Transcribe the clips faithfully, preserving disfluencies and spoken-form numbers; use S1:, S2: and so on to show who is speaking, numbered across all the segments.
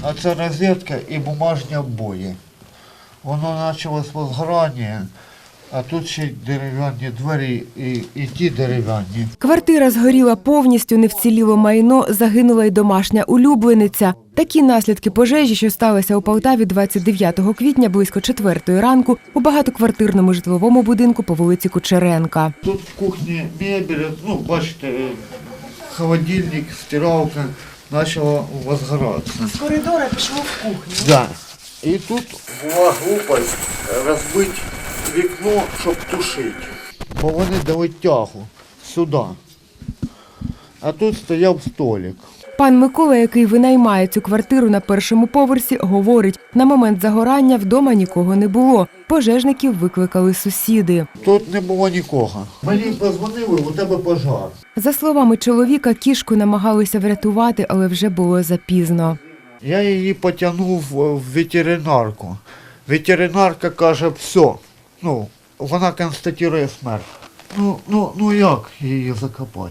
S1: а це розетка і бумажні обої. Воно почалось возгорання, а тут ще й дерев'яні двері і, і ті дерев'яні.
S2: Квартира згоріла повністю, не вціліло майно, загинула й домашня улюблениця. Такі наслідки пожежі, що сталися у Полтаві двадцять дев'ятого квітня близько четвертої ранку у багатоквартирному житловому будинку по вулиці Кучеренка.
S1: Тут в кухні мебель, ну, бачите, холодильник, стиралка почала возгоратися.
S2: З коридора пішло в кухню.
S1: Да. І тут була глупость розбити вікно, щоб тушити. Бо вони дали тягу сюди. А тут стояв столик.
S2: Пан Микола, який винаймає цю квартиру на першому поверсі, говорить, на момент загорання вдома нікого не було. Пожежників викликали сусіди.
S1: Тут не було нікого. Мені подзвонили, у тебе пожар.
S2: За словами чоловіка, кішку намагалися врятувати, але вже було запізно.
S1: Я її потягнув в ветеринарку. Ветеринарка каже, все, ну, вона констатує смерть. Ну, ну, ну як її закопати?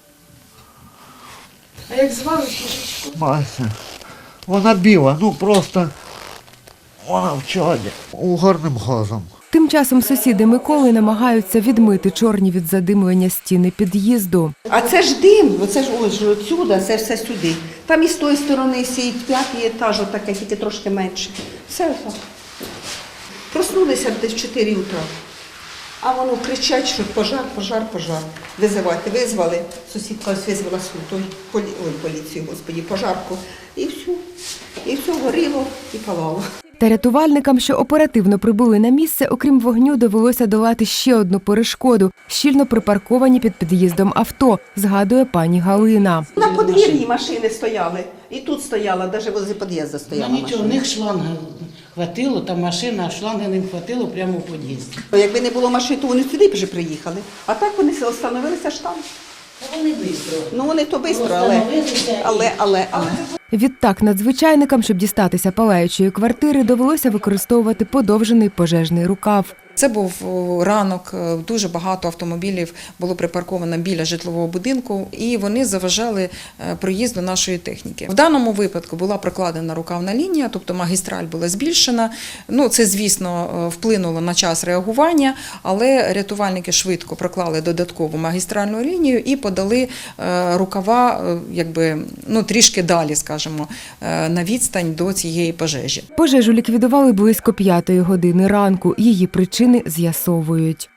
S2: А як звали кішечку?
S1: Мася. Вона біла, ну просто вона в чаді, угарним газом.
S2: Тим часом сусіди Миколи намагаються відмити чорні від задимлення стіни під'їзду.
S3: А це ж дим, оце ж ось ж отсюда, це все сюди. Там і з тої сторони сидить п'ятий етаж, отаке, тільки трошки менше. Все так. Проснулися десь в чотири утра. А воно кричать, що пожар, пожар, пожар. Визивати, визвали. Сусідка ось визвала свою полі... Ой, поліцію, господі, пожарку. І все. І все горіло і палало.
S2: Та рятувальникам, що оперативно прибули на місце, окрім вогню, довелося долати ще одну перешкоду – щільно припарковані під під'їздом авто, згадує пані Галина.
S3: На подвір'ї машини стояли. І тут стояла, навіть возле під'їзду стояла
S4: Ну нічого, у
S3: машина.
S4: них шланга хватило, там машина, а шланги не хватило прямо в під'їзді.
S3: Якби не було машин, то вони сюди б вже приїхали. А так вони остановилися ж там.
S4: Та вони швидко.
S3: Ну вони то швидко, але, але, але, але.
S2: Відтак надзвичайникам, щоб дістатися палаючої квартири, довелося використовувати подовжений пожежний рукав.
S5: Це був ранок, дуже багато автомобілів було припарковано біля житлового будинку, і вони заважали проїзду нашої техніки. В даному випадку була прокладена рукавна лінія, тобто магістраль була збільшена. Ну, це, звісно, вплинуло на час реагування, але рятувальники швидко проклали додаткову магістральну лінію і подали рукава, якби, ну, трішки далі, скажімо, на відстань до цієї пожежі.
S2: Пожежу ліквідували близько п'ятої години ранку. Її причини з'ясовують.